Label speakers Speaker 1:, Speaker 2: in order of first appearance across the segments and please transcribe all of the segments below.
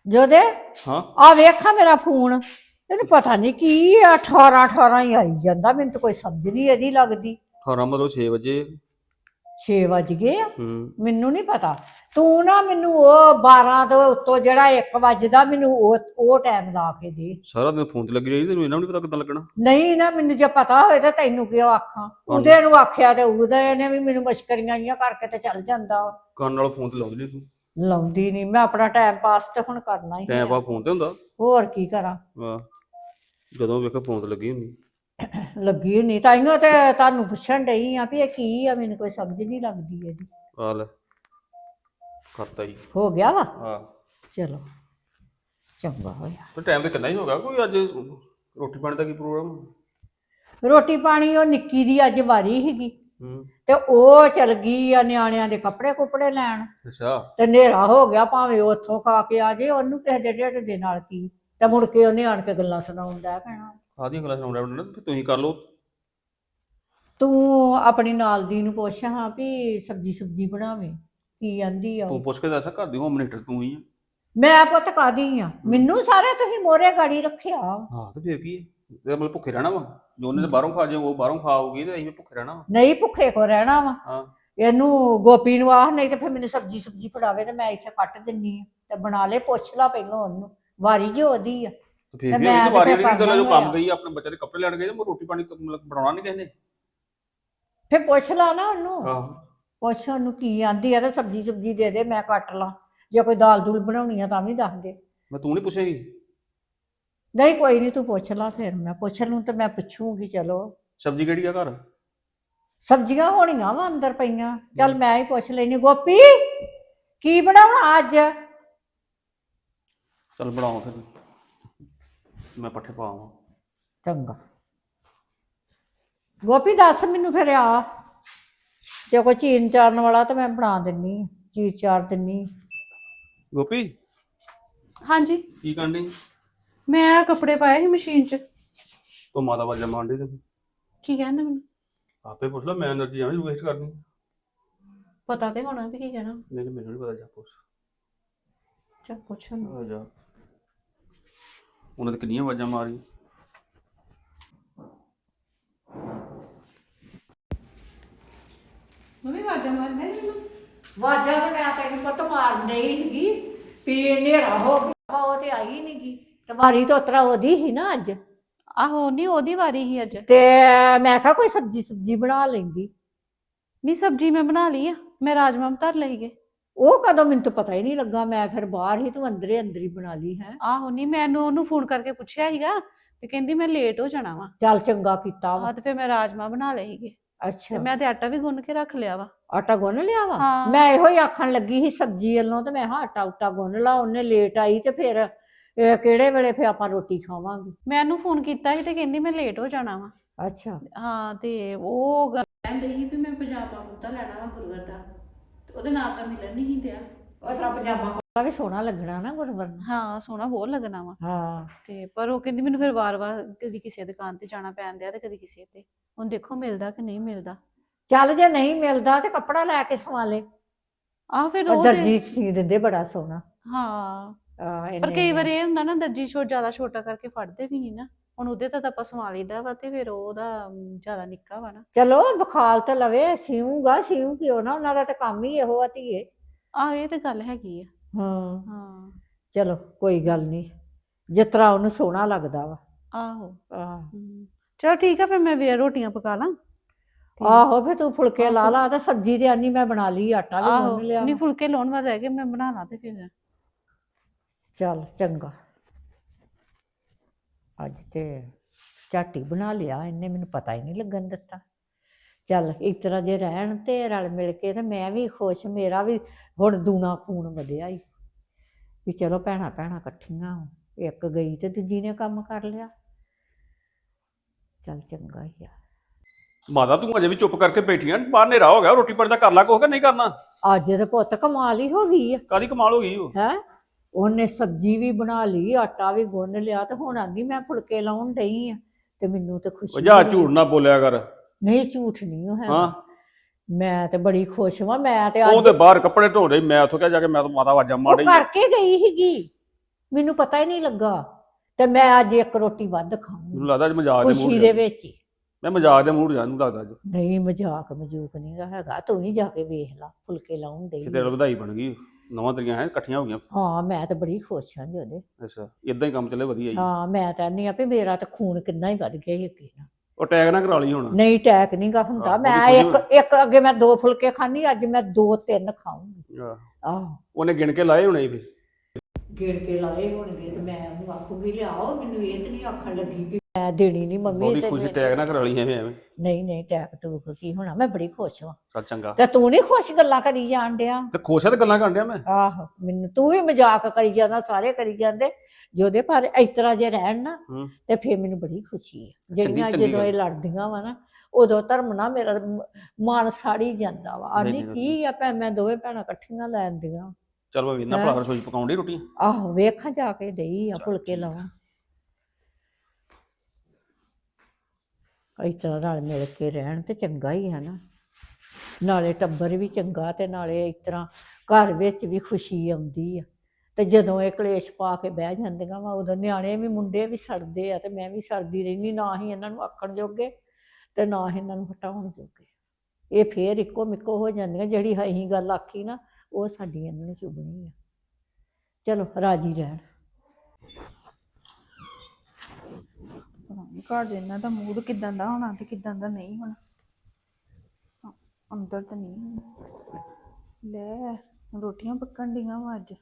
Speaker 1: ਜੋਦੇ
Speaker 2: ਹਾਂ
Speaker 1: ਆ ਵੇਖਾਂ ਮੇਰਾ ਫੋਨ ਇਹਨੂੰ ਪਤਾ ਨਹੀਂ ਕੀ ਆ 18 ਹੀ ਆਈ ਜਾਂਦਾ ਮੈਨੂੰ ਤਾਂ ਕੋਈ ਸਮਝ ਨਹੀਂ ਇਹਦੀ ਲੱਗਦੀ
Speaker 2: 18 ਮਤਲਬ 6 ਵਜੇ
Speaker 1: 6 ਵੱਜ ਗਏ ਆ
Speaker 2: ਹੂੰ
Speaker 1: ਮੈਨੂੰ ਨਹੀਂ ਪਤਾ ਤੂੰ ਨਾ ਮੈਨੂੰ ਉਹ 12 ਤੋਂ ਉੱਤੋਂ ਜਿਹੜਾ 1 ਵੱਜਦਾ ਮੈਨੂੰ ਉਹ ਟਾਈਮ ਲਾ ਕੇ ਦੇ
Speaker 2: ਸਾਰਾ ਦਿਨ ਫੋਨ ਤੇ ਲੱਗੀ ਰਹੀ ਤੈਨੂੰ ਇਹਨਾਂ ਨੂੰ ਨਹੀਂ ਪਤਾ ਕਿੱਦਾਂ ਲੱਗਣਾ
Speaker 1: ਨਹੀਂ ਨਾ ਮੈਨੂੰ ਜੇ ਪਤਾ ਹੋਏ ਤਾਂ ਤੈਨੂੰ ਕਿਉਂ ਆਖਾਂ ਉਹਦੇ ਨੂੰ ਆਖਿਆ ਤੇ ਉਹਦੇ ਨੇ ਵੀ ਮੈਨੂੰ ਮਸ਼ਕਰੀਆਂ ਜੀਆਂ ਕਰਕੇ ਤੇ ਚੱਲ ਜਾਂਦਾ
Speaker 2: ਕੰਨ ਨਾਲ ਫੋਨ ਤੇ ਲਾਉਂਦੀ ਨਹੀਂ ਤੂੰ
Speaker 1: ਲਾਉਂਦੀ ਨਹੀਂ ਮੈਂ ਆਪਣਾ ਟਾਈਮ ਪਾਸ ਤੇ ਹੁਣ ਕਰਨਾ ਹੀ
Speaker 2: ਟਾਈਮ ਪਾ ਫੋਨ ਤੇ ਹੁੰਦਾ
Speaker 1: ਹੋਰ ਕੀ ਕਰਾਂ
Speaker 2: ਵਾਹ ਜਦੋਂ ਵੇਖੋ ਫੋਨ ਤੇ ਲੱਗੀ ਹੁੰਦੀ
Speaker 1: ਲੱਗੀ ਨਹੀਂ ਤਾਈਓ ਤੇ ਤੁਹਾਨੂੰ ਪੁੱਛਣ ਡਈ ਆ ਵੀ ਇਹ ਕੀ ਆ ਮੈਨੂੰ ਕੋਈ ਸਮਝ ਨਹੀਂ ਲੱਗਦੀ ਇਹਦੀ
Speaker 2: ਆ ਲੈ ਕਰਤਾ ਜੀ
Speaker 1: ਹੋ ਗਿਆ ਵਾ
Speaker 2: ਹਾਂ
Speaker 1: ਚਲੋ ਚੰਗਾ ਹੋਇਆ
Speaker 2: ਤੇ ਟਾਈਮ ਤੇ ਕਿੰਨਾ ਹੀ ਹੋ ਗਿਆ ਕੋਈ ਅੱਜ ਰੋਟੀ ਪਾਣੀ ਦਾ ਕੀ ਪ੍ਰੋਗਰਾਮ
Speaker 1: ਰੋਟੀ ਪਾਣੀ ਉਹ ਨਿੱਕੀ ਦੀ ਅੱਜ ਵਾਰੀ ਸੀਗੀ
Speaker 2: ਹੂੰ
Speaker 1: ਤੇ ਉਹ ਚਲ ਗਈ ਆ ਨਿਆਣਿਆਂ ਦੇ ਕੱਪੜੇ ਕੁਪੜੇ ਲੈਣ
Speaker 2: ਅੱਛਾ
Speaker 1: ਤੇ ਹਨੇਰਾ ਹੋ ਗਿਆ ਭਾਵੇਂ ਉੱਥੋਂ ਖਾ ਕੇ ਆ ਜੇ ਉਹਨੂੰ ਕਿਸੇ ਦੇ ਢਿੱਡ ਦੇ ਨਾਲ ਕੀ ਤੇ ਮੁੜ ਕੇ ਉਹਨੇ ਆਣ ਕੇ ਗੱਲਾਂ ਸੁਣਾਉਂਦਾ ਪੈਣਾ
Speaker 2: ਆਦੀਆਂ ਗੱਲਾਂ ਸੁਣਾਉਣਾ ਪੈਣਾ ਫਿਰ ਤੁਸੀਂ ਕਰ ਲਓ
Speaker 1: ਤੂੰ ਆਪਣੀ ਨਾਲ ਦੀ ਨੂੰ ਪੁੱਛ ਹਾਂ ਵੀ ਸਬਜੀ ਬਣਾਵੇ ਕੀ ਆਂਦੀ ਆ ਉਹ।
Speaker 2: ਤੂੰ ਪੁੱਛ ਕੇ ਦੱਸ ਘਰ ਦੀ ਹੋਮ ਮਿਨਿਸਟਰ ਤੂੰ ਹੀ ਆ
Speaker 1: ਮੈਂ ਪੁੱਤ ਕਾਦੀ ਆ ਮੈਨੂੰ ਸਾਰੇ ਤੁਸੀਂ ਮੋਰੇ ਗਾੜੀ ਰੱਖਿਆ
Speaker 2: ਹਾਂ ਤੇ ਫਿਰ ਕੀ ਹੈ ਇਹ ਮਤਲਬ ਭੁੱਖੇ ਰਹਿਣਾ ਵਾ ਜੋ ਉਹਨੇ ਤੇ ਬਾਹਰੋਂ ਖਾ ਜਾਏ ਉਹ ਬਾਹਰੋਂ ਖਾਓਗੀ ਤੇ ਅਸੀਂ ਵੀ ਭੁੱਖੇ ਰਹਿਣਾ ਵਾ
Speaker 1: ਨਹੀਂ ਭੁੱਖੇ ਕੋ ਰਹਿਣਾ ਵਾ
Speaker 2: ਹਾਂ
Speaker 1: ਇਹਨੂੰ ਗੋਪੀ ਨੂੰ ਆਖ ਨਹੀਂ ਤੇ ਫਿਰ ਮੈਨੂੰ ਸਬਜੀ ਫੜਾਵੇ ਤੇ ਮੈਂ ਇੱਥੇ ਕੱਟ ਦਿੰਨੀ ਆ ਤੇ ਬਣਾ ਲੈ ਪੁੱਛ ਲਾ ਪਹਿਲਾਂ ਉਹਨੂੰ ਵਾਰੀ ਜੋ ਉਹਦੀ ਆ
Speaker 2: ਤੇ ਫਿਰ ਵੀ
Speaker 1: ਮੈਂ
Speaker 2: ਉਹਦੀ
Speaker 1: ਤੇ
Speaker 2: ਵਾਰੀ
Speaker 1: ਫਿਰ
Speaker 2: ਵਾਲੀ ਗੱਲ ਆ, ਜੋ
Speaker 1: ਕਰਨਾ
Speaker 2: ਕੰਮ ਗਈ ਆਪਣੇ ਬੱਚੇ ਦੇ ਕੱਪੜੇ ਲੈਣ ਗਏ ਤੇ ਰੋਟੀ ਪਾਣੀ ਮਤਲਬ ਬਣਾਉਣਾ ਨਹੀਂ ਕਿਸੇ ਨੇ
Speaker 1: ਫਿਰ ਪੁੱਛ ਲਾ ਨਾ ਉਹਨੂੰ
Speaker 2: ਆਹੋ
Speaker 1: ਪੁੱਛ ਉਹਨੂੰ ਕੀ ਆਂਦੀ ਆ ਤੇ ਸਬਜੀ ਦੇ ਦੇ ਮੈਂ ਕੱਟ ਲਾਂ ਜੇ ਕੋਈ ਦਾਲ ਦੂਲ ਬਣਾਉਣੀ ਆ ਤਾਂ ਵੀ ਦੱਸ ਦੇ
Speaker 2: ਮੈਂ ਤੂੰ ਨਹੀਂ ਪੁੱਛੇਗੀ
Speaker 1: ਨਹੀਂ ਕੋਈ ਨਹੀਂ ਤੂੰ ਪੁੱਛ ਲਾ ਫਿਰ ਮੈਂ ਪੁੱਛ ਲੂੰ ਤੇ ਮੈਂ ਪੁੱਛੂਗੀ ਚਲੋ
Speaker 2: ਸਬਜ਼ੀ ਕਿਹੜੀ ਆ ਘਰ
Speaker 1: ਸਬਜ਼ੀਆਂ ਹੋਣੀਆਂ ਵਾ ਅੰਦਰ ਪਈਆਂ ਚੱਲ ਮੈਂ ਹੀ ਪੁੱਛ ਲੈਣੀ ਗੋਪੀ ਕੀ ਬਣਾਉਣਾ ਅੱਜ
Speaker 2: ਚੱਲ ਬਣਾਓ ਫਿਰ ਮੈਂ ਪੱਠੇ ਪਾਵਾਂ
Speaker 1: ਚੰਗਾ ਗੋਪੀ ਦੱਸ ਮੈਨੂੰ ਫਿਰ ਆ ਜੇ ਕੋਈ ਚੀਨ ਚਾਰਨ ਵਾਲਾ ਤਾਂ ਮੈਂ ਬਣਾ ਦਿੰਨੀ ਆ ਚੀਜ਼ ਚਾਰ ਦਿੰਨੀ
Speaker 2: ਗੋਪੀ
Speaker 3: ਹਾਂਜੀ
Speaker 2: ਕੀ ਕਰਨੀ
Speaker 3: ਮੈਂ ਕੱਪੜੇ ਪਾਏ ਸੀ ਮਸ਼ੀਨ 'ਚ
Speaker 2: ਉਹ ਮਾਤਾ ਵਾਜਾ ਮਾਰਦੀ ਤੇ
Speaker 3: ਕੀ ਕਹਿੰਦੇ ਮੈਨੂੰ
Speaker 2: ਆਪੇ ਪੁੱਛ ਲੈ ਮੈਂ એનર્ਜੀ ਐਵੇਂ ਵੇਸਟ ਕਰਨੀ
Speaker 3: ਪਤਾ ਤੇ ਹੋਣਾ ਵੀ ਕੀ ਕਹਿਣਾ
Speaker 2: ਨਹੀਂ ਮੈਨੂੰ ਨਹੀਂ ਪਤਾ ਜਾ ਪੁੱਛ
Speaker 3: ਚੱਲ ਪੁੱਛ ਉਹਨੂੰ।
Speaker 2: ਆ ਜਾ ਉਹਨਾਂ ਤੇ ਕਿੰਨੀਆਂ ਆਵਾਜ਼ਾਂ ਮਾਰੀ
Speaker 3: ਮੰਮੀ ਵਾਜਾ ਮਾਰਦੇ ਨੇ ਮੈਨੂੰ
Speaker 1: ਵਾਜਾਂ ਤਾਂ ਮੈਂ ਤੈਨੂੰ ਪੁੱਤ ਮਾਰਨ ਡਈ ਸੀਗੀ ਵੀ ਹਨੇਰਾ ਹੋ ਗਿਆ ਉਹ ਤੇ ਆਈ ਨੀ ਗੀ ਤੇ ਵਾਰੀ ਤਾਂ ਉਤਰਾ ਉਹਦੀ ਸੀ ਨਾ ਅੱਜ
Speaker 3: ਆਹੋ ਨਹੀਂ ਉਹਦੀ ਵਾਰੀ ਹੀ ਅੱਜ
Speaker 1: ਤੇ ਮੈਂ ਕਿਹਾ ਕੋਈ ਸਬਜੀ ਬਣਾ ਲੈਂਦੀ
Speaker 3: ਨਹੀਂ ਸਬਜੀ ਮੈਂ ਬਣਾ ਲਈ ਆ ਮੈਂ ਰਾਜਮਾ ਧਰ ਲਈਗੇ
Speaker 1: ਉਹ ਕਦੋਂ ਮੈਨੂੰ ਤਾਂ ਪਤਾ ਹੀ ਨਹੀਂ ਲੱਗਾ ਮੈਂ ਫਿਰ ਬਾਹਰ ਹੀ ਤੂੰ ਅੰਦਰ ਹੀ ਬਣਾ ਲਈ ਹੈ
Speaker 3: ਆਹੋ ਨਹੀਂ ਮੈਨੂੰ ਉਹਨੂੰ ਫੋਨ ਕਰਕੇ ਪੁੱਛਿਆ ਸੀਗਾ ਤੇ ਕਹਿੰਦੀ ਮੈਂ ਲੇਟ ਹੋ ਜਾਣਾ ਵਾ
Speaker 1: ਚੱਲ ਚੰਗਾ ਕੀਤਾ ਵਾ
Speaker 3: ਤੇ ਫਿਰ ਮੈਂ ਰਾਜਮਾ ਬਣਾ ਲਏ ਸੀਗੇ ਤੇ
Speaker 1: ਅੱਛਾ
Speaker 3: ਮੈਂ ਤੇ ਆਟਾ ਵੀ ਗੁੰਨ ਕੇ ਰੱਖ ਲਿਆ ਵਾ
Speaker 1: ਆਟਾ ਗੁੰਨ ਲਿਆ ਵਾ
Speaker 3: ਹਾਂ।
Speaker 1: ਮੈਂ ਇਹੋ ਹੀ ਆਖਣ ਲੱਗੀ ਸੀ ਸਬਜੀ ਵੱਲੋਂ ਤੇ ਮੈਂ ਆਟਾ ਉਟਾ ਗੁੰਨ ਲਾ ਉਹਨੇ ਲੇਟ ਆਈ ਤੇ ਫਿਰ ਇਹ ਕਿਹੜੇ ਵੇਲੇ ਫਿਰ ਆਪਾਂ ਰੋਟੀ ਖਾਵਾਂਗੇ
Speaker 3: ਮੈਂ ਉਹਨੂੰ ਫੋਨ ਕੀਤਾ ਸੀ ਤੇ ਕਹਿੰਦੀ ਮੈਂ ਲੇਟ ਹੋ ਜਾਣਾ ਵਾ
Speaker 1: ਅੱਛਾ
Speaker 3: ਹਾਂ ਤੇ ਉਹ ਕਹਿੰਦੇ ਸੀ ਵੀ ਮੈਂ ਪਜਾਮਾ ਕੁੜਤਾ ਲੈਣਾ ਵਾ ਗੁਰਵਰ ਦਾ ਤੇ ਉਹਦੇ ਨਾਲ ਤਾਂ ਮਿਲਣ ਨਹੀਂ ਦਿਆ
Speaker 1: ਉਹ ਤੇਰਾ ਪਜਾਮਾ ਕੁੜਤਾ ਵੀ ਸੋਹਣਾ ਲੱਗਣਾ ਨਾ ਗੁਰਵਰਨ
Speaker 3: ਹਾਂ ਸੋਹਣਾ ਬਹੁਤ ਲੱਗਣਾ ਵਾ
Speaker 1: ਹਾਂ
Speaker 3: ਤੇ ਪਰ ਉਹ ਕਹਿੰਦੀ ਮੈਨੂੰ ਫਿਰ ਵਾਰ-ਵਾਰ ਕਦੀ ਕਿਸੇ ਦੁਕਾਨ ਤੇ ਜਾਣਾ ਪੈਂਦਾ ਤੇ ਕਦੀ ਕਿਸੇ ਤੇ ਹੁਣ ਦੇਖੋ ਮਿਲਦਾ ਕਿ ਨਹੀਂ ਮਿਲਦਾ
Speaker 1: ਚੱਲ ਜੇ ਨਹੀਂ ਮਿਲਦਾ ਤੇ ਕੱਪੜਾ ਲੈ ਕੇ ਸਵਾ ਲੈ
Speaker 3: ਆਹ ਫਿਰ
Speaker 1: ਉਹ
Speaker 3: ਉਹ
Speaker 1: ਦਰਜੀ ਸੀ ਦਿੰਦੇ ਬੜਾ ਸੋਹਣਾ
Speaker 3: ਹਾਂ ਪਰ
Speaker 1: ਇੰਨੇ-
Speaker 3: ਕਈ ਵਾਰ ਇਹ ਹੁੰਦਾ ਨਾ ਦਰਜੀ ਜ਼ਿਆਦਾ ਛੋਟਾ ਕਰਕੇ ਫੜਦੇ ਵੀ ਨਹੀਂ ਨਾ ਹੁਣ ਉਹਦੇ ਤਾਂ ਆਪਾਂ ਸਵਾ ਲਈਦਾ ਵਾ ਤੇ ਫਿਰ ਉਹਦਾ ਜ਼ਿਆਦਾ ਨਿੱਕਾ ਵਾ ਨਾ
Speaker 1: ਚਲੋ ਬਖਾਲ ਤੇ ਲਵੇ ਸਿਊਗਾ ਸਿਊ ਕਿਉਂ ਨਾ ਉਹਨਾਂ ਦਾ ਤਾਂ ਕੰਮ ਹੀ ਇਹੋ ਆ ਧੀਏ
Speaker 3: ਆਹ ਇਹ ਤੇ ਗੱਲ ਹੈਗੀ ਆ
Speaker 1: ਹਾਂ
Speaker 3: ਹਾਂ
Speaker 1: ਚਲੋ ਕੋਈ ਗੱਲ ਨਹੀਂ ਜਿਸ ਤਰ੍ਹਾਂ ਉਹਨੂੰ ਸੋਹਣਾ ਲੱਗਦਾ ਵਾ
Speaker 3: ਆਹੋ
Speaker 1: ਆਹ
Speaker 3: ਚਲੋ ਠੀਕ ਆ ਫਿਰ ਮੈਂ ਵੀ ਰੋਟੀਆਂ ਪਕਾ ਲਾਂ
Speaker 1: ਆਹੋ ਫਿਰ ਤੂੰ ਫੁਲਕੇ ਲਾ ਲਾ ਤੇ ਸਬਜ਼ੀ ਤੇ ਆਨੀ ਮੈਂ ਬਣਾ ਲਈ ਆਟਾ ਵੀ
Speaker 3: ਆਹੋ
Speaker 1: ਗੁੰਨ ਲਿਆ
Speaker 3: ਨਹੀਂ ਫੁਲਕੇ ਲਾਉਣ ਵਾਲੇ ਰਹਿ ਗਏ ਮੈਂ ਬਣਾ ਲਾਂ ਤੇ ਫਿਰ
Speaker 1: ਚੱਲ ਚੰਗਾ ਅੱਜ ਤੇ ਝਾਟੀ ਬਣਾ ਲਿਆ ਇਹਨੇ ਮੈਨੂੰ ਪਤਾ ਹੀ ਨਹੀਂ ਲੱਗਣ ਦਿੱਤਾ ਚੱਲ ਇਸ ਤਰ੍ਹਾਂ ਜੇ ਰਹਿਣ ਤੇ ਰਲ ਮਿਲ ਕੇ ਤੇ ਮੈਂ ਵੀ ਖੁਸ਼ ਮੇਰਾ ਵੀ ਹੁਣ ਦੂਣਾ ਖੂਨ ਵਧਿਆ ਹੀ ਵੀ ਚਲੋ ਭੈਣਾਂ ਇਕੱਠੀਆਂ ਇੱਕ ਗਈ ਤੇ ਦੂਜੀ ਨੇ ਕੰਮ ਕਰ ਲਿਆ ਚੱਲ ਚੰਗਾ ਹੀ ਆ
Speaker 2: ਮਾਤਾ ਤੂੰ ਅਜੇ ਵੀ ਚੁੱਪ ਕਰਕੇ ਬੈਠੀ ਆਂ ਬਾਹਰ ਹਨੇਰਾ ਹੋ ਗਿਆ ਰੋਟੀ ਪਾਣੀ ਦਾ ਕਰ ਲਾ ਕੁਛ ਕਿ ਨਹੀਂ ਕਰਨਾ
Speaker 1: ਅੱਜ ਤੇ ਪੁੱਤ ਕਮਾਲ ਹੀ ਹੋ ਗਈ ਆ
Speaker 2: ਕਾਹਦੀ ਕਮਾਲ ਹੋ ਗਈ ਉਹ
Speaker 1: ਹੈ ਉਹਨੇ ਸਬਜ਼ੀ ਵੀ ਬਣਾ ਲਈ ਆਟਾ ਵੀ ਗੁੰਨ ਲਿਆ ਤੇ ਹੁਣ ਆਂਦੀ ਮੈਂ ਫੁਲਕੇ ਲਾਉਣ ਡਈ ਆ ਤੇ ਮੈਨੂੰ ਤੇ
Speaker 2: ਉਹ
Speaker 1: ਖੁਸ਼ੀ
Speaker 2: ਜਾ
Speaker 1: ਹੋਈ।
Speaker 2: ਝੂਠ ਨਾ ਬੋਲਿਆ ਕਰ
Speaker 1: ਨਹੀਂ ਝੂਠ ਨਹੀਂ ਉਹ ਹੈ
Speaker 2: ਹਾਂ
Speaker 1: ਮੈਂ ਤੇ ਬੜੀ ਖੁਸ਼ ਹਾਂ ਮੈਂ ਤੇ
Speaker 2: ਉਹ
Speaker 1: ਅੱਜ
Speaker 2: ਤੇ ਬਾਹਰ ਕੱਪੜੇ ਧੋ ਰਹੀ ਮੈਂ ਉੱਥੋਂ ਕਿਹਾ ਜਾ ਕੇ ਮੈਂ ਤਾਂ ਮਾਤਾ ਆਵਾਜ਼ਾਂ ਮਾਰ
Speaker 1: ਉਹ
Speaker 2: ਰਹੀ
Speaker 1: ਕਰਕੇ ਗਈ ਸੀਗੀ ਮੈਨੂੰ ਪਤਾ ਹੀ ਨਹੀਂ ਲੱਗਾ ਤੇ ਮੈਂ ਅੱਜ ਇੱਕ ਰੋਟੀ ਵੱਧ ਖਾਊਂਗੀ
Speaker 2: ਮੈਨੂੰ ਲੱਗਦਾ ਅੱਜ ਮਜ਼ਾਕ ਦੇ
Speaker 1: ਖੁਸ਼ੀ
Speaker 2: ਮੂਡ
Speaker 1: ਦੇ ਵਿੱਚ ਹੀ।
Speaker 2: ਮੈਂ ਮਜ਼ਾਕ ਦੇ ਮੂਡ ਜਾ ਨੂੰ ਲੱਗਦਾ ਅੱਜ
Speaker 1: ਨਹੀਂ ਮਜ਼ਾਕ ਮਜੂਕ ਨਹੀਂ ਗਾ ਹੈਗਾ, ਤੂੰ ਵੀ ਜਾ ਕੇ ਵੇਖ ਲਾ ਫੁਲਕੇ ਲਾਉਣ ਡਈ
Speaker 2: ਕਿਤੇ ਵਧਾਈ ਬਣ ਗਈ, ਨਵਾਂ ਤਰੀਆਂ ਹੈ ਇਕੱਠੀਆਂ ਹੋ ਗਈਆਂ।
Speaker 1: ਹਾਂ ਮੈਂ ਤਾਂ ਬੜੀ ਖੁਸ਼ ਹਾਂ ਜੀ ਉਹਦੇ।
Speaker 2: ਅੱਛਾ ਇਦਾਂ ਹੀ ਕੰਮ ਚੱਲੇ ਵਧੀਆ ਜੀ।
Speaker 1: ਹਾਂ ਮੈਂ ਤਾਂ ਨਹੀਂ ਆ ਵੀ ਮੇਰਾ ਤਾਂ ਖੂਨ ਕਿੰਨਾ ਹੀ ਵੱਧ ਗਿਆ ਯਕੀਨ ਨਾਲ।
Speaker 2: ਉਹ ਟੈਗ ਨਾ ਕਰਾ ਲਈ ਹੁਣ।
Speaker 1: ਨਹੀਂ ਟੈਕ ਨਹੀਂ ਗਾ ਹੁੰਦਾ,
Speaker 2: ਆਹੋ,
Speaker 1: ਮੈਂ
Speaker 2: ਉਹਦੀ
Speaker 1: ਇੱਕ ਅੱਗੇ ਮੈਂ 2 ਫੁਲਕੇ ਖਾਣੀ, ਅੱਜ ਮੈਂ 2-3 ਖਾਊਂਗੀ। ਆਹ
Speaker 2: ਉਹਨੇ ਗਿਣ ਕੇ ਲਾਏ ਹੋਣੇ ਫਿਰ।
Speaker 1: ਗੇੜ ਕੇ ਲਾਏ ਹੋਣਗੇ ਤੇ ਮੈਂ ਉਹਨੂੰ ਆਖੂਗੀ ਲਿਆਓ, ਮੈਨੂੰ ਇਹ ਤੇ ਨਹੀਂ ਆਖਣ ਲੱਗੀ ਕਿ ਮੈਂ ਦੇਣੀ ਨਹੀਂ ਮੰਮੀ
Speaker 2: ਉਹਦੀ
Speaker 1: ਤੇ
Speaker 2: ਖੁਸ਼ੀ ਟੈਗ ਨਾ ਕਰਾ ਲਈ ਐਵੇਂ।
Speaker 1: ਨਹੀਂ ਟੈਕ ਟੂਕ ਕੀ ਹੋਣਾ, ਮੈਂ ਬੜੀ ਖੁਸ਼ ਹਾਂ।
Speaker 2: ਚੱਲ ਚੰਗਾ।
Speaker 1: ਤੇ ਤੂੰ ਨਹੀਂ ਖੁਸ਼ ਗੱਲਾਂ ਕਰੀ ਜਾਣ ਡਿਆ?
Speaker 2: ਤੇ ਖੁਸ਼ ਆ ਤੇ ਗੱਲਾਂ ਕਰਨ ਡਿਆ ਮੈਂ।
Speaker 1: ਆਹੋ ਮੈਨੂੰ ਤੂੰ ਵੀ ਮਜ਼ਾਕ ਕਰੀ ਜਾਂਦਾ, ਸਾਰੇ ਕਰੀ ਜਾਂਦੇ ਜਿਹਦੇ ਪਰ ਇਸ ਤਰ੍ਹਾਂ ਜੇ ਰਹਿਣ ਨਾ ਤੇ ਫੇਰ ਮੈਨੂੰ ਬੜੀ ਖੁਸ਼ੀ ਹੈ। ਜਿਹੜੀਆਂ
Speaker 2: ਚੰਗੀ
Speaker 1: ਜਦੋਂ ਇਹ ਲੜਦੀਆਂ ਵਾ ਨਾ ਉਦੋਂ ਧਰਮ ਨਾ ਮੇਰਾ ਮਨ ਸਾੜੀ ਜਾਂਦਾ ਵਾ। ਆਨੀ ਕੀ ਆ ਮੈਂ ਦੋਵੇਂ ਭੈਣਾਂ ਇਕੱਠੀਆਂ ਲੈਂਦੀਆਂ।
Speaker 2: ਚਲ ਮੈਂ ਵੇਖਣਾ ਭਰਾ ਰਸੋਈ ਪਕਾਉਣ ਡਈ ਰੋਟੀ।
Speaker 1: ਆਹੋ ਵੇਖਾਂ ਜਾ ਕੇ ਡਈ ਆ ਫੁਲਕੇ ਲਾਵਾਂ। ਇਸ ਤਰ੍ਹਾਂ ਰਲ ਮਿਲ ਕੇ ਰਹਿਣ ਤੇ ਚੰਗਾ ਹੀ ਹੈ ਨਾ, ਨਾਲੇ ਟੱਬਰ ਵੀ ਚੰਗਾ ਤੇ ਨਾਲੇ ਇਸ ਤਰ੍ਹਾਂ ਘਰ ਵਿੱਚ ਵੀ ਖੁਸ਼ੀ ਆਉਂਦੀ ਆ। ਤੇ ਜਦੋਂ ਇਹ ਕਲੇਸ਼ ਪਾ ਕੇ ਬਹਿ ਜਾਂਦੀਆਂ ਵਾ ਉਦੋਂ ਨਿਆਣੇ ਵੀ ਮੁੰਡੇ ਵੀ ਸੜਦੇ ਆ ਤੇ ਮੈਂ ਵੀ ਸੜਦੀ ਰਹਿੰਦੀ, ਨਾ ਹੀ ਇਹਨਾਂ ਨੂੰ ਆਖਣ ਜੋਗੇ ਤੇ ਨਾ ਹੀ ਇਹਨਾਂ ਨੂੰ ਹਟਾਉਣ ਜੋਗੇ। ਇਹ ਫੇਰ ਇੱਕੋ ਮਿੱਕੋ ਹੋ ਜਾਂਦੀਆਂ, ਜਿਹੜੀ ਅਸੀਂ ਗੱਲ ਆਖੀ ਨਾ ਉਹ ਸਾਡੀ ਇਹਨਾਂ ਨੂੰ ਚੁਭਣੀ ਆ। ਚਲੋ ਰਾਜੀ ਰਹਿਣ।
Speaker 4: ਘਰ ਦੇ ਇਹਨਾਂ ਦਾ ਮੂਡ ਕਿਦਾਂ ਦਾ ਹੋਣਾ ਤੇ ਕਿਦਾਂ ਦਾ ਨਹੀਂ ਹੋਣਾ। ਅੰਦਰ ਤਾਂ ਨਹੀਂ ਹੋਣਾ। ਲੈ ਰੋਟੀਆਂ ਪੱਕਣ ਡੀਆਂ ਵਾ ਅੱਜ।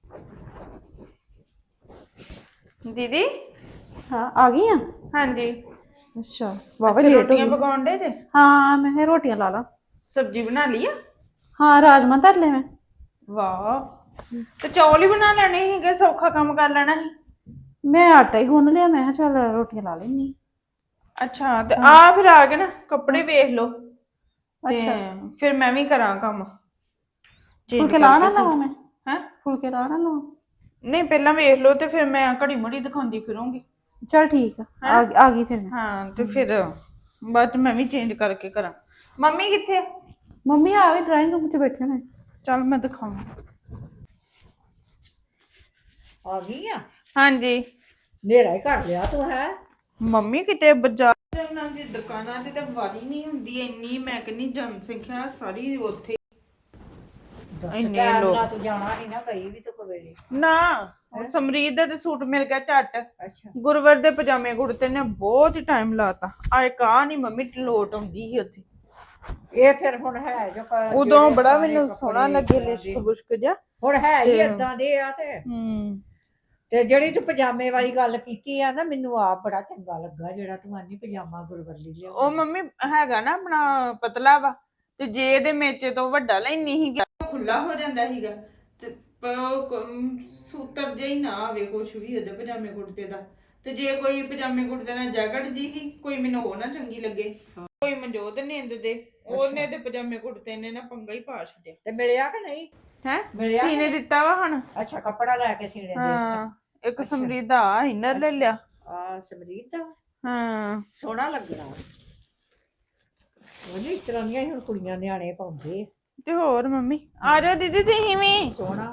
Speaker 4: ਦੀਦੀ
Speaker 3: ਹਾਂ ਆ ਗਈ ਆ।
Speaker 4: ਹਾਂਜੀ
Speaker 3: ਅੱਛਾ ਵਾਵਾ ਲੇਟ ਹੋ
Speaker 4: ਰੋਟੀਆਂ
Speaker 3: ਗਈ।
Speaker 4: ਪਕਾਉਣ ਦੇ ਜੇ?
Speaker 3: ਹਾਂ ਮੈਂ ਕਿਹਾ ਰੋਟੀਆਂ ਲਾ ਲਾ।
Speaker 4: ਸਬਜ਼ੀ ਬਣਾ ਲਈ ਆ?
Speaker 3: ਹਾਂ ਰਾਜਮਾ ਧਰ ਲੈ ਮੈਂ।
Speaker 4: ਵਾਹ ਤੇ ਚੌਲ ਹੀ ਬਣਾ ਲੈਣੇ ਸੀਗੇ, ਸੌਖਾ ਕੰਮ ਕਰ ਲੈਣਾ ਸੀ।
Speaker 3: ਮੈਂ ਆਟਾ ਹੀ ਗੁੰਨ ਲਿਆ, ਮੈਂ ਕਿਹਾ ਚੱਲ ਰੋਟੀਆਂ ਲਾ ਲੈਣੀ।
Speaker 4: ਅੱਛਾ ਤੇ ਆ ਫਿਰ ਆ ਕੇ ਨਾ ਕੱਪੜੇ ਵੇਖ ਲਓ ਤੇ
Speaker 3: ਅੱਛਾ
Speaker 4: ਫਿਰ ਮੈਂ ਵੀ ਕਰਾਂ ਕੰਮ।
Speaker 3: ਫੁਲਕੇ ਲਾ ਨਾ ਲਵਾਂ ਮੈਂ?
Speaker 4: ਹੈ
Speaker 3: ਫੁਲਕੇ ਲਾ ਨਾ ਲਵਾਂ?
Speaker 4: ਨਹੀਂ ਪਹਿਲਾਂ ਵੇਖ ਲਓ ਤੇ ਫਿਰ ਮੈਂ ਘੜੀ ਮੁੜੀ ਦਿਖਾਉਂਦੀ ਫਿਰੂੰਗੀ।
Speaker 3: ਚਲ ਠੀਕ ਆ ਆ ਗਈ ਫਿਰ ਮੈਂ।
Speaker 4: ਹਾਂ ਤੇ ਫਿਰ ਬਾਅਦ ਚ ਮੈਂ ਵੀ ਚੇਂਜ ਕਰਕੇ ਕਰਾਂ। ਮੰਮੀ ਕਿੱਥੇ?
Speaker 3: ਮੰਮੀ ਆ ਵੀ ਡਰਾਇੰਗ ਰੂਮ 'ਚ ਬੈਠੇ ਨੇ।
Speaker 4: ਚੱਲ ਮੈਂ ਦਿਖਾਵਾਂ।
Speaker 1: ਆ ਗਈ ਆ?
Speaker 4: ਹਾਂਜੀ
Speaker 1: ਹਨੇਰਾ ਹੀ ਕਰ ਲਿਆ ਤੂੰ ਹੈ।
Speaker 4: ਮੰਮੀ ਕਿਤੇ ਬਾਜ਼ਾਰ ਉਹਨਾਂ ਦੀ ਦੁਕਾਨਾਂ ਤੇ ਤਾਂ ਵਾਰੀ ਨਹੀਂ ਹੁੰਦੀ ਇੰਨੀ, ਮੈਂ ਕਹਿੰਦੀ ਜਨਸੰਖਿਆ ਸਾਰੀ ਉੱਥੇ ਇੰਨੇ ਲੋਕ।
Speaker 1: ਤੂੰ ਜਾਣਾ ਸੀ ਨਾ, ਗਈ ਵੀ ਤੂੰ ਕਵੇਲੇ।
Speaker 4: ਨਾ ਸਮਰੀਤ ਦਾ ਤੇ ਸੂਟ ਮਿਲ ਗਿਆ ਝੱਟ।
Speaker 1: ਅੱਛਾ
Speaker 4: ਗੁਰਵਰ ਦੇ ਪਜਾਮੇ ਕੁੜਤੇ ਨੇ ਬਹੁਤ ਹੀ ਟਾਈਮ ਲਾਤਾ। ਆਏ ਕਾ ਨਹੀਂ ਮੰਮੀ ਲੋਟ ਆਉਂਦੀ ਸੀ ਉੱਥੇ।
Speaker 1: ਇਹ ਫਿਰ ਹੁਣ ਹੈ ਜੋ
Speaker 4: ਉਦੋਂ ਬੜਾ ਮੈਨੂੰ ਸੋਹਣਾ ਲੱਗੇ ਲਿਸ਼ਕ ਬੁਸ਼ਕ ਜਿਹਾ।
Speaker 1: ਹੁਣ ਹੈ ਹੀ ਏਦਾਂ ਦੇ ਆ ਤੇ ਤੇ ਜਿਹੜੀ ਤੂੰ ਪਜਾਮੇ ਵਾਲੀ ਗੱਲ ਕੀਤੀ ਆ ਨਾ, ਮੈਨੂੰ ਆਪ ਬੜਾ ਚੰਗਾ ਲੱਗਾ ਜਿਹੜਾ ਤੂੰ ਆਨੀ ਪਜਾਮਾ ਗੁਰਵਰਲੀ ਲਿਆ।
Speaker 4: ਉਹ ਮੰਮੀ ਹੈਗਾ ਨਾ ਆਪਣਾ ਪਤਲਾ ਵਾ, ਤੇ ਜੇ ਇਹਦੇ ਮੇਚੇ ਤੋਂ ਵੱਡਾ ਲੈਣੀ ਸੀਗਾ ਖੁੱਲਾ ਹੋ ਜਾਂਦਾ ਸੀਗਾ ਤੇ ਸੂਤਰ ਜਿਹਾ ਹੀ ਨਾ ਆਵੇ ਕੁਛ ਵੀ ਉਹਦੇ ਪਜਾਮੇ ਕੁੜਤੇ ਦਾ। ਤੇ ਜੇ ਕੋਈ ਪਜਾਮੇ ਕੁੜਤੇ ਨਾਲ ਜੈਕਟ ਜੀ ਹੀ ਕੋਈ ਮੈਨੂੰ ਉਹ ਨਾ ਚੰਗੀ ਲੱਗੇ, ਕੋਈ ਮਨਜੋਤ ਨਿੰਦ ਦੇ ਉਹਨੇ ਤੇ ਪਜਾਮੇ ਕੁੜਤੇ ਨੇ ਨਾ ਪੰਗਾ ਹੀ ਪਾ ਛੱਡਿਆ।
Speaker 1: ਤੇ ਮਿਲਿਆ ਕਿ ਨਹੀਂ?
Speaker 4: ਹੈ ਸੀਨੇ ਦਿੱਤਾ ਵਾ ਹੁਣ।
Speaker 1: ਅੱਛਾ ਕੱਪੜਾ ਲੈ ਕੇ ਸੀਨੇ ਦੇ।
Speaker 4: ਹਾਂ ਇੱਕ ਸਮਰੀਤ ਦਾ ਇਨਰ ਲੈ ਲਿਆ।
Speaker 1: ਆ ਸਮਰੀਤ ਦਾ?
Speaker 4: ਹਾਂ
Speaker 1: ਸੋਹਣਾ ਲੱਗਣਾ ਉਹਨੇ। ਇਸ ਤਰ੍ਹਾਂ ਦੀਆਂ ਹੁਣ ਕੁੜੀਆਂ ਨਿਆਣੇ ਪਾਉਂਦੇ
Speaker 4: ਤੇ ਹੋਰ ਮੰਮੀ ਆ ਜਾਓ ਦੀਦੀ ਤੁਸੀਂ ਵੀ।
Speaker 1: ਸੋਹਣਾ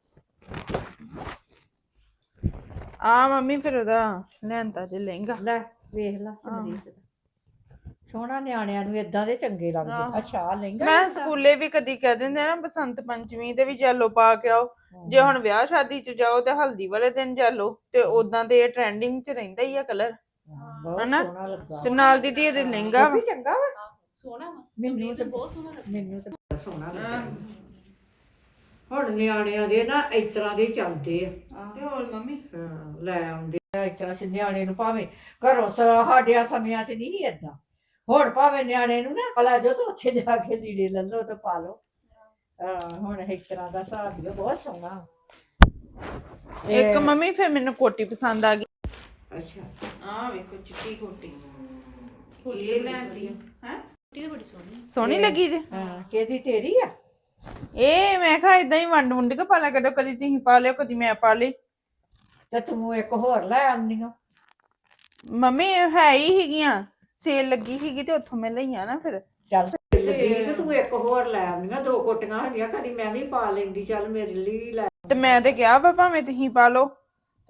Speaker 4: ਆ ਮੰਮੀ ਫਿਰ ਉਹਦਾ ਲੈਂਦਾ ਜੇ ਲਹਿੰਗਾ।
Speaker 1: ਲੈ ਵੇਖ ਲੈ ਸਮਰੀਤ ਦਾ ਸੋਹਣਾ, ਨਿਆਣਿਆਂ ਨੂੰ ਏਦਾਂ ਦੇ ਚੰਗੇ ਲੱਗਦੇ। ਅੱਛਾ ਲਹਿੰਗਾ
Speaker 4: ਮੈਂ ਸਕੂਲੇ ਵੀ ਕਦੀ ਕਹਿ ਦਿੰਦੇ ਨਾ ਬਸੰਤ ਪੰਚਮੀ ਤੇ ਵੀ ਜੈਲੋ ਪਾ ਕੇ ਆਓ। ਜੇ ਹੁਣ ਵਿਆਹ ਸ਼ਾਦੀ ਚ ਜਾਓ ਤੇ ਹਲਦੀ ਵਾਲੇ ਦਿਨ ਜੈਲੋ, ਤੇ ਉਦਾਂ ਦੇ ਟ੍ਰੈਂਡਿੰਗ ਚ ਰਹਿੰਦਾ ਹੀ ਆ ਕਲਰ।
Speaker 1: ਬਹੁਤ
Speaker 4: ਹਨਾ?
Speaker 1: ਸੋਹਣਾ ਲੱਗਾ।
Speaker 4: ਤੇ ਨਾਲ ਦੀਦੀ ਇਹਦੇ ਲਹਿੰਗਾ ਵਾ।
Speaker 1: ਵੀ ਚੰਗਾ ਵਾ।
Speaker 3: ਸੋਹਣਾ ਵਾ
Speaker 1: ਮੈਨੂੰ ਤੇ ਬਹੁਤ ਸੋਹਣਾ ਲੱਗਾ। ਮੈਨੂੰ ਤੇ ਬਹੁਤ ਸੋਹਣਾ ਲੱਗਾ। ਹੁਣ ਨਿਆਣਿਆਂ ਦੇ ਨਾ ਇਸ ਤਰ੍ਹਾਂ ਦੇ ਚੱਲਦੇ ਆ।
Speaker 4: ਤੇ ਹੋਰ ਮੰਮੀ
Speaker 1: ਹਾਂ ਲੈ ਆਉਂਦੇ ਆ ਇਸ ਤਰ੍ਹਾਂ ਨਿਆਣੇ ਨੂੰ, ਭਾਵੇਂ ਘਰੋਂ ਸਾਡਿਆਂ ਸਮਿਆਂ ਚ ਨਹੀਂ ਏਦਾਂ। ਹੁਣ ਭਾਵੇਂ ਨਿਆਣੇ ਨੂੰ ਨਾ ਲੈ ਜਾਓ ਤੇ ਉੱਥੇ ਜਾ ਕੇ ਲੀੜੇ ਲੈ ਲਓ ਤੇ ਪਾ ਲਓ। ਹੁਣ ਇਸ ਤਰ੍ਹਾਂ ਦਾ ਹਿਸਾਬ ਹੀ ਬਹੁਤ ਸੋਹਣਾ।
Speaker 4: ਇੱਕ ਮੰਮੀ ਫਿਰ ਮੈਨੂੰ ਕੋਟੀ ਪਸੰਦ ਆ ਗਈ।
Speaker 1: ਅੱਛਾ
Speaker 4: ਆ ਵੇਖੋ ਚਿੱਟੀ ਕੋਟੀ ਖੁੱਲੀ ਲੈਂਦੀ ਹੈ।
Speaker 3: ਕੋਟੀ ਬੜੀ ਸੋਹਣੀ
Speaker 4: ਸੋਹਣੀ ਲੱਗੀ ਜੇ?
Speaker 1: ਹਾਂ ਕਿਹਦੀ? ਤੇਰੀ ਆ?
Speaker 4: ਇਹ ਮੈਂ ਕਿਹਾ ਇਦਾਂ ਹੀ ਵੰਡ ਵੁੰਡ ਕੇ ਪਾ ਲਿਆ ਕਰੋ, ਕਦੀ ਤੁਸੀਂ ਪਾ ਲਿਓ ਕਦੀ ਮੈਂ ਪਾ ਲਈ।
Speaker 1: ਤੇ ਤੂੰ ਇੱਕ ਹੋਰ ਲੈ ਆਉਂਦੀ ਆ।
Speaker 4: ਮੰਮੀ ਹੈ ਹੀ ਹੈਗੀਆਂ, ਸੇਲ ਲੱਗੀ ਸੀਗੀ ਤੇ ਉੱਥੋਂ ਮੈਂ ਲਈਆਂ ਨਾ ਫਿਰ।
Speaker 1: ਚੱਲ ਤੇ ਤੂੰ ਇੱਕ ਹੋਰ ਲੈ ਆਉਂਦੀਆਂ, 2 ਕੋਟੀਆਂ ਹੁੰਦੀਆਂ, ਕਦੀ ਮੈਂ ਵੀ ਪਾ ਲੈਂਦੀ। ਚੱਲ ਮੇਰੇ ਲਈ ਵੀ ਲੈ।
Speaker 4: ਤੇ ਮੈਂ ਤੇ ਕਿਹਾ ਵਾ ਭਾਵੇਂ ਤੁਸੀਂ ਪਾ ਲਓ,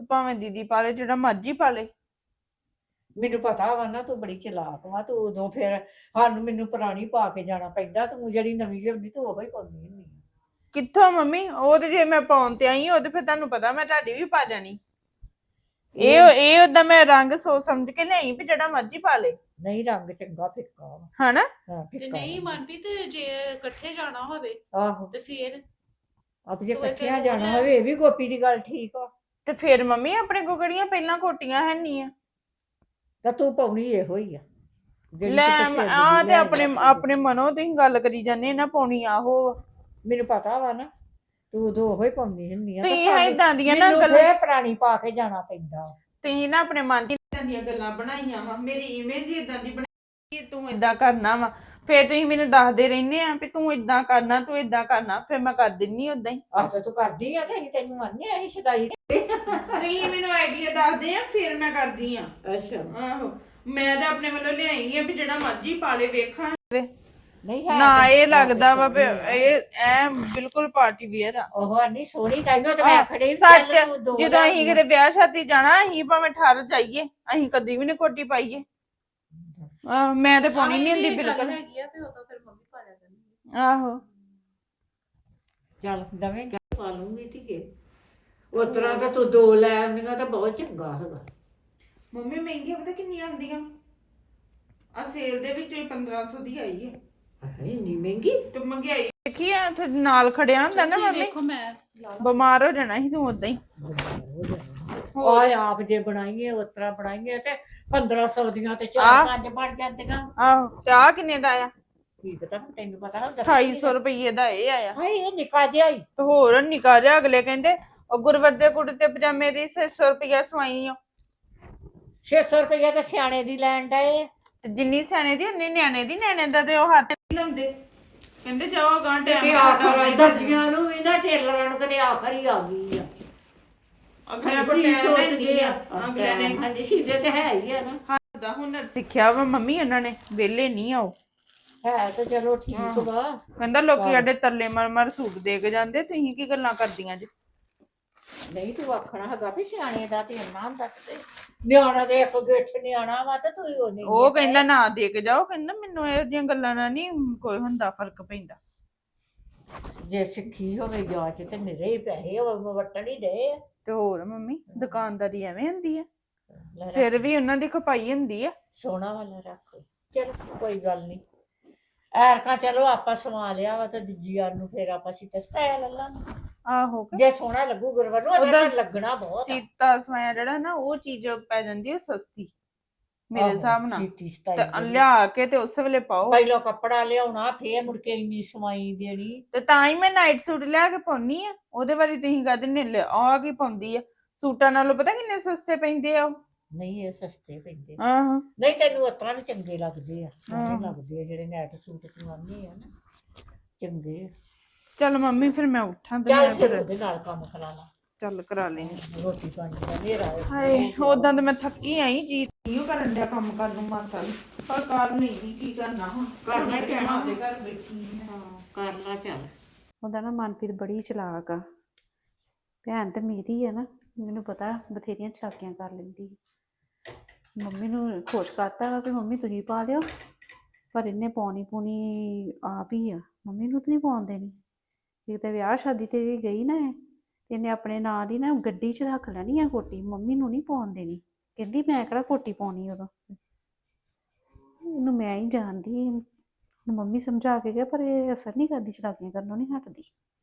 Speaker 4: ਤੇ ਭਾਵੇਂ ਦੀਦੀ ਪਾ ਲੇ, ਜਿਹੜਾ ਮਰਜ਼ੀ ਪਾ ਲੇ।
Speaker 1: ਮੈਨੂੰ ਪਤਾ ਵਾ ਨਾ ਤੂੰ ਬੜੀ ਚਲਾਕ ਵਾ, ਤੂੰ ਉਦੋਂ ਫਿਰ ਮੈਨੂੰ ਪੁਰਾਣੀ ਪਾ ਕੇ ਜਾਣਾ ਪੈਂਦਾ, ਤੂੰ ਜਿਹੜੀ ਨਵੀਂ ਲਿਆਉਂਦੀ ਤੂੰ ਉਹੀ ਪਾਉਂਦੀ ਹੁੰਦੀ ਆ।
Speaker 4: ਕਿੱਥੋਂ ਮੰਮੀ, ਉਹ ਤੇ ਜੇ ਮੈਂ ਪਾਉਣ ਤੇ ਆਈ ਉਹ ਤੇ ਫਿਰ ਤੁਹਾਨੂੰ ਪਤਾ ਮੈਂ ਤੁਹਾਡੀ ਵੀ ਪਾ ਜਾਣੀ। ਇਹ ਓਦਾਂ ਮੈਂ ਰੰਗ ਸੋਚ ਸਮਝ ਕੇ ਲਿਆਈ ਵੀ ਜਿਹੜਾ ਮਰਜ਼ੀ ਪਾ ਲੇ।
Speaker 1: ਨਹੀਂ ਰੰਗ ਚੰਗਾ ਫਿੱਕਾ ਵਾ।
Speaker 4: ਹਨਾ?
Speaker 1: ਹਾਂ
Speaker 3: ਤੇ
Speaker 1: ਫਿੱਕਾ
Speaker 3: ਨਹੀਂ
Speaker 1: ਵਾ।
Speaker 3: ਮਨਪ੍ਰੀਤ, ਜੇ ਇਕੱਠੇ ਜਾਣਾ ਹੋਵੇ
Speaker 1: ਆਹੋ
Speaker 3: ਤੇ ਫੇਰ
Speaker 1: ਆਪ ਜੇ
Speaker 3: ਸੋ ਇੱਕ
Speaker 1: ਇਕੱਠਿਆਂ
Speaker 3: ਹੋਰ
Speaker 1: ਜਾਣਾ
Speaker 3: ਲੈ।
Speaker 1: ਹੋਵੇ ਇਹ ਵੀ ਗੋਪੀ ਦੀ ਗੱਲ ਠੀਕ ਆ।
Speaker 4: ਤੇ ਫਿਰ ਮੰਮੀ ਆਪਣੇ ਕੋ ਕਿਹੜੀਆਂ ਪਹਿਲਾਂ ਕੋਟੀਆਂ ਹੈ ਨਹੀਂ ਆ?
Speaker 1: ਤਾਂ ਤੂੰ ਪਾਉਣੀ ਇਹੋ ਹੀ ਆ ਜਿਹੜੀ
Speaker 4: ਲੈ
Speaker 1: ਤੂੰ ਪਸੰਦ
Speaker 4: ਆ
Speaker 1: ਦੀ
Speaker 4: ਤੇ ਆਪਣੇ
Speaker 1: ਲਿਆਈ।
Speaker 4: ਆਪਣੇ ਮਨੋਂ ਤੁਸੀਂ ਗੱਲ ਕਰੀ ਜਾਂਦੇ ਨਾ, ਪਾਉਣੀ ਆਹੋ।
Speaker 1: ਮੈਨੂੰ ਪਤਾ ਵਾ ਨਾ ਤੂੰ ਉਦੋਂ ਉਹੀ ਪਾਉਂਦੀ ਹੁੰਦੀ ਆ।
Speaker 4: ਤੁਸੀਂ ਏਦਾਂ ਦੀਆਂ ਨਾ
Speaker 1: ਮੈਨੂੰ
Speaker 4: ਗੱਲਾਂ,
Speaker 1: ਫੇਰ ਪੁਰਾਣੀ ਪਾ ਕੇ ਜਾਣਾ ਪੈਂਦਾ।
Speaker 4: ਤੁਸੀਂ ਨਾ ਆਪਣੇ ਮਨ ਦੀ ਇਦਾਂ ਦੀਆਂ ਗੱਲਾਂ ਬਣਾਈਆਂ ਵਾ, ਮੇਰੀ ਇਮੇਜ ਹੀ ਇਦਾਂ ਦੀ ਬਣਾਈ ਕਿ ਤੂੰ ਇਦਾਂ ਕਰਨਾ ਵਾ। ਫੇਰ ਤੁਸੀਂ ਮੈਨੂੰ ਦੱਸਦੇ ਰਹਿੰਦੇ ਆ ਵੀ ਤੂੰ ਇਦਾਂ ਕਰਨਾ, ਤੂੰ ਇਦਾਂ ਕਰਨਾ, ਫਿਰ ਮੈਂ ਕਰ ਦਿੰਨੀ ਉਦਾਂ ਹੀ।
Speaker 1: ਆਹ ਤੂੰ ਕਰਦੀ ਆ ਤੇ ਅਸੀਂ ਤੈਨੂੰ ਮੰਨਿਆ ਅਸੀਂ ਸਦਾਈ।
Speaker 4: ਤੁਸੀਂ ਮੈਨੂੰ ਆਈਡੀਆ ਦੱਸਦੇ ਆ ਫਿਰ ਮੈਂ ਕਰਦੀ ਆ।
Speaker 1: ਅੱਛਾ
Speaker 4: ਆਹੋ, ਮੈਂ ਤਾਂ ਆਪਣੇ ਵੱਲੋਂ ਲਿਆਈ ਆ ਵੀ ਜਿਹੜਾ ਮਰਜ਼ੀ ਪਾ ਲੇ ਵੇਖਾਂ।
Speaker 1: ਨਹੀਂ ਹੈ
Speaker 4: ਨਾ
Speaker 1: ਤੇ-
Speaker 4: ਇਹ ਲੱਗਦਾ ਵਾ ਵੀ
Speaker 1: ਸੋਹਣੀ ਆ।
Speaker 4: ਇਹ ਐ ਬਿਲਕੁਲ ਪਾਰਟੀ ਵੇਅਰ ਆ।
Speaker 1: ਉਹ ਨਹੀਂ ਸੋਹਣੀ ਤਾਈਓ ਤੇ ਮੈਂ ਖੜੀ
Speaker 4: ਸੱਚ, ਜਦੋਂ ਅਸੀਂ ਕਿਤੇ ਵਿਆਹ ਸ਼ਾਦੀ ਜਾਣਾ, ਅਸੀਂ ਭਾਵੇਂ ਠਰ ਜਾਈਏ, ਅਸੀਂ ਕਦੀ ਵੀ ਨੀ ਕੋਟੀ ਪਾਈਏ। ਮੈਂ ਤੇ ਪਾਉਣੀ ਨਹੀਂ ਹੁੰਦੀ ਬਿਲਕੁਲ।
Speaker 3: ਹੈਗੀ ਆ ਫਿਰ ਉਦੋਂ ਫਿਰ ਮੰਮੀ ਪਾ ਲਿਆ ਕਰਨਗੇ।
Speaker 4: ਆਹੋ
Speaker 1: ਚੱਲ ਦਵੇਂ ਪਾ ਲੂੰਗੀ ਧੀਏ। ਉਸ ਤਰ੍ਹਾਂ ਤਾਂ ਤੂੰ ਦੋ ਲੈ ਆਉਂਦੀਆਂ ਤਾਂ ਬਹੁਤ ਚੰਗਾ ਹੈਗਾ।
Speaker 4: ਮੰਮੀ ਮਹਿੰਗੀਆਂ ਪਤਾ ਕਿੰਨੀਆਂ ਆਉਂਦੀਆਂ ਆ? ਸੇਲ ਦੇ ਵਿੱਚ 1500 ਦੀ ਆਈ ਹੈ।
Speaker 1: ਇੰਨੀ ਮਹਿੰਗੀ।
Speaker 4: ਤੇ ਮਹਿੰਗਾਈ ਦੇਖੀ ਆ, ਉੱਥੇ ਨਾਲ ਖੜਿਆ ਹੁੰਦਾ ਨਾ ਮੰਮੀ,
Speaker 3: ਦੇਖੋ ਮੈਂ
Speaker 4: ਬਿਮਾਰ ਹੋ ਜਾਣਾ ਸੀ ਤੂੰ ਉਦਾਂ ਹੀ।
Speaker 1: ਆਏ ਆਪ ਜੇ ਬਣਾਈਏ ਉਸ ਤਰ੍ਹਾਂ ਬਣਾਈਏ ਤੇ 1500 ਦੀਆਂ ਤੇ
Speaker 4: ਆਹ।
Speaker 1: 4-5 ਬਣ ਜਾਂਦੀਆਂ।
Speaker 4: ਆਹੋ, ਤੇ ਆ ਕਿੰਨੇ ਦਾ ਆਇਆ?
Speaker 1: ਕੀ ਪਤਾ ਤੈਨੂੰ ਪਤਾ ਨਾ
Speaker 4: 2800 ਰੁਪਏ ਦਾ ਇਹ ਆਇਆ।
Speaker 1: ਹਾਏ ਇਹ ਨਿੱਕਾ ਜਿਹਾ ਹੀ।
Speaker 4: ਤੇ ਹੋਰ ਨਿਕਾ ਜਿਹਾ, ਅਗਲੇ ਕਹਿੰਦੇ ਉਹ ਗੁਰਵਰ ਦੇ ਕੁੜਤੇ ਪਜਾਮੇ ਦੀ 600 ਰੁਪਏ ਸਵਾਈ ਆ।
Speaker 1: 600 ਰੁਪਏ ਤੇ ਸਿਆਣੇ ਦੀ ਲੈਣ ਡਏ।
Speaker 4: ਤੇ ਜਿੰਨੀ ਸਿਆਣੇ ਦੀ ਉਨੀ ਨਿਆਣੇ ਦੀ। ਨਿਆਣੇ ਦਾ ਤੇ ਉਹ ਹੱਥ ਨਹੀਂ ਲਾਉਂਦੇ, ਕਹਿੰਦੇ ਜਾਓ ਗਾਂ
Speaker 1: ਕਿ
Speaker 4: ਟਾਈਮ
Speaker 1: ਆਖਰ ਦਰਜੀਆਂ ਨੂੰ ਵੀ ਨਾ ਟੇਲਰਾਂ ਨੂੰ ਕਦੇ ਆਖਰ ਹੀ ਆ ਗਈ ਆ।
Speaker 4: ਅਗਲੇ ਕੋਲ
Speaker 1: ਕੀ
Speaker 4: ਟਾਈਮ
Speaker 1: ਸੋਚਦੇ ਆ
Speaker 4: ਅਗਲੇ ਨੇ
Speaker 1: ਹਾਂਜੀ ਸਿੱਧੇ ਤੇ ਹੈ ਹੀ ਆ ਨਾ।
Speaker 4: ਹੱਥ ਦਾ ਹੁਨਰ ਸਿੱਖਿਆ ਵਾ ਮੰਮੀ ਉਹਨਾਂ ਨੇ, ਵਿਹਲੇ ਨਹੀਂ ਆਓ।
Speaker 1: ਹੈ ਤੇ ਚਲੋ ਠੀਕ ਵਾ।
Speaker 4: ਕਹਿੰਦਾ ਲੋਕੀ ਸਾਡੇ ਤਰਲੇ ਮਰ ਸੂਟ ਦੇ ਕੇ ਜਾਂਦੇ, ਤੁਸੀਂ ਕੀ ਗੱਲਾਂ ਕਰਦੀਆਂ ਜੀ?
Speaker 1: ਨਹੀਂ ਤੂੰ ਆਖਣਾ ਹੈਗਾ ਵੀ ਸਿਆਣੇ ਦਾ ਤੇ ਇੰਨਾ ਹੁੰਦਾ ਤੇ ਨਿਆਣਾ ਦੇ ਇੱਕ ਗਿੱਠ ਨਿਆਣਾ ਵਾ ਤੇ ਤੂੰ ਉਹ ਨਹੀਂ।
Speaker 4: ਉਹ ਕਹਿੰਦਾ ਨਾ ਦੇ ਕੇ ਜਾਓ, ਕਹਿੰਦਾ ਮੈਨੂੰ ਇਹੋ ਜਿਹੀਆਂ ਗੱਲਾਂ ਨਾਲ ਨਹੀਂ ਕੋਈ ਹੁੰਦਾ, ਫਰਕ ਪੈਂਦਾ।
Speaker 1: ਜੇ ਸਿੱਖੀ ਹੋਵੇ ਜਾਂਚ ਤੇ ਨਿਰੇ ਹੀ ਪੈਸੇ ਵਟਣ ਹੀ ਦੇ।
Speaker 4: ਤੇ ਹੋਰ ਮੰਮੀ ਦੁਕਾਨਦਾਰੀ ਐਵੇਂ ਹੁੰਦੀ ਆ, ਸਿਰ ਵੀ ਉਹਨਾਂ ਦੀ ਖਪਾਈ ਹੁੰਦੀ ਆ।
Speaker 1: ਸੋਨਾ ਵਾਲਾ ਰੱਖ। ਚਲ ਕੋਈ ਗੱਲ ਨਹੀਂ। ਐਰਕਾ ਚਲੋ ਆਪਾਂ ਸਵਾ ਲਿਆ ਵਾ ਤੇ ਦੂਜੀ ਯਾਰ ਨੂੰ ਫੇਰ ਆਪਾਂ ਸੀਤਾ ਸਟਾਇਲ ਲੈ ਲਾਂਗੇ।
Speaker 4: ਆਹੋ,
Speaker 1: ਜੇ ਸੋਹਣਾ ਲੱਗੂ ਗੁਰਵਰ ਨੂੰ ਉਹਦਾ ਲੱਗਣਾ ਬਹੁਤ ਆ।
Speaker 4: ਸੀਤਾ ਸਵਾਇਆ ਜਿਹੜਾ ਨਾ ਉਹ ਚੀਜ਼ ਪੈ ਜਾਂਦੀ ਹੈ ਸਸਤੀ ਮੇਰੇ ਹਿਸਾਬ ਨਾਲ।
Speaker 1: ਸੀਤੀ
Speaker 4: ਤੇ
Speaker 1: ਸਤਾਈ
Speaker 4: ਲਿਆ ਕੇ ਤੇ ਉਸ ਵੇਲੇ ਪਾਓ।
Speaker 1: ਪਹਿਲਾਂ ਕੱਪੜਾ ਲਿਆਉਣਾ ਫੇਰ ਮੁੜ ਕੇ ਇੰਨੀ ਸਵਾਈ ਦੇਣੀ।
Speaker 4: ਤੇ ਤਾਂ ਹੀ ਮੈਂ ਨਾਈਟ ਸੂਟ ਲਿਆ ਕੇ ਪਾਉਣੀ ਆ। ਉਹਦੇ ਬਾਰੇ ਤੁਸੀਂ ਕਹਿੰਦੇ ਨੇ ਆ ਕੀ ਪਾਉਂਦੀ ਆ? ਸੂਟਾਂ ਨਾਲੋਂ ਪਤਾ ਕਿੰਨੇ ਸਸਤੇ ਪੈਂਦੇ ਆ ਉਹ।
Speaker 1: ਨਹੀਂ ਇਹ ਸਸਤੇ ਪੈਂਦੇ।
Speaker 4: ਆਹੋ,
Speaker 1: ਨਹੀਂ ਤੈਨੂੰ ਉਤਰਾ ਵੀ ਚੰਗੇ ਲੱਗਦੇ ਆ, ਸੋਹਣੇ ਲੱਗਦੇ ਆ ਜਿਹੜੇ ਨੈਟ ਸੂਟ ਚਵਾਉਂਦੇ ਆ ਨਾ, ਚੰਗੇ।
Speaker 4: ਚੱਲ ਮੰਮੀ ਫਿਰ ਮੈਂ ਉੱਠਾਂ ਤੇ
Speaker 1: ਚੱਲ
Speaker 4: ਮੈਂ
Speaker 1: ਫਿਰ
Speaker 4: ਫਿਰ
Speaker 1: ਉਹਦੇ ਨਾਲ ਕੰਮ ਕਰਾਣਾ।
Speaker 4: ਚੱਲ ਕਰਾ ਲੈਣੀ।
Speaker 1: ਰੋਟੀ ਪਾਣੀ ਦਾ ਹਨੇਰਾ ਹੋ ਗਿਆ।
Speaker 4: ਹਾਏ ਉਦਾਂ ਤਾਂ ਮੈਂ ਥੱਕੀ ਆਈ ਜੀ, ਇਹੋ ਕਰਨ ਡਿਆ ਕੰਮ ਕਰਨ ਨੂੰ ਮਾਸਾ ਨੂੰ, ਪਰ ਕਰ ਨਹੀਂ ਕੀ ਕਰਨਾ ਹੁਣ,
Speaker 1: ਕਰਨਾ ਹੀ ਪੈਣਾ।
Speaker 4: ਦੇ ਘਰ ਬੈਠੀ
Speaker 1: ਹਾਂ ਕਰ ਲਾ ਚੱਲ।
Speaker 3: ਉਹਦਾ ਨਾ ਮਨਪ੍ਰੀਤ ਬੜੀ ਚਲਾਕ ਆ। ਭੈਣ ਤੇ ਮੇਰੀ ਆ ਨਾ, ਮੈਨੂੰ ਪਤਾ ਬਥੇਰੀਆਂ ਚਾਕੀਆਂ ਕਰ ਲੈਂਦੀ। ਮੰਮੀ ਨੂੰ ਖੁਸ਼ ਕਰਤਾ ਵਾ ਕਿ ਮੰਮੀ ਤੁਸੀਂ ਪਾ ਲਿਓ, ਪਰ ਇਹਨੇ ਪਾਉਣੀ ਪੂਣੀ ਆਪ ਹੀ ਆ, ਮੰਮੀ ਨੂੰ ਤਾਂ ਨਹੀਂ ਪਾਉਣ ਦੇਣੀ। ਕਿਤੇ ਵਿਆਹ ਸ਼ਾਦੀ ਤੇ ਵੀ ਗਈ ਨਾ ਇਹਨੇ ਆਪਣੇ ਨਾਂ ਦੀ ਨਾ ਗੱਡੀ 'ਚ ਰੱਖ ਲੈਣੀ ਆ ਕੋਟੀ, ਮੰਮੀ ਨੂੰ ਨਹੀਂ ਪਾਉਣ ਦੇਣੀ। ਕਹਿੰਦੀ ਮੈਂ ਕਿਹੜਾ ਕੋਟੀ ਪਾਉਣੀ ਉਦੋਂ, ਇਹਨੂੰ ਮੈਂ ਹੀ ਜਾਣਦੀ। ਮੰਮੀ ਸਮਝਾ ਕੇ ਗਿਆ ਪਰ ਇਹ ਅਸਰ ਨਹੀਂ ਕਰਦੀ, ਚਲਾਕੀਆਂ ਕਰਨੋਂ ਨਹੀਂ ਹਟਦੀ।